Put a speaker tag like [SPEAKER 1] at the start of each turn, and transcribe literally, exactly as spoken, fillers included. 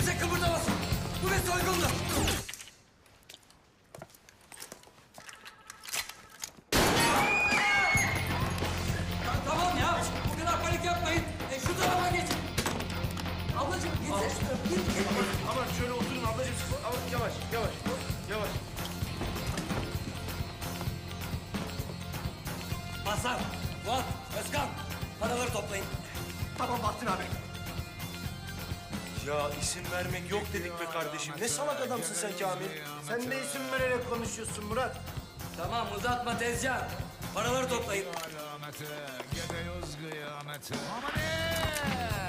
[SPEAKER 1] Kimse kıpırdamasın. Bu bir soygundur. Tamam ya. Bu kadar panik yapmayın. E, şu tarafa geçin. Ablacığım gitsene şu tarafa. Git, git.
[SPEAKER 2] Aman, aman şöyle oturun ablacığım. Ama yavaş, yavaş, yavaş.
[SPEAKER 1] Hasan, Fuat, Özkan. Paraları toplayın.
[SPEAKER 2] Tamam Bahattin abi. Ya isim vermek yok dedik be kardeşim. Ne salak adamsın sen Kamil. Sen de isim vererek konuşuyorsun Murat.
[SPEAKER 1] Tamam uzatma tezcan. Paraları toplayın.
[SPEAKER 3] Alameti, gidiyoruz kıyameti. Aman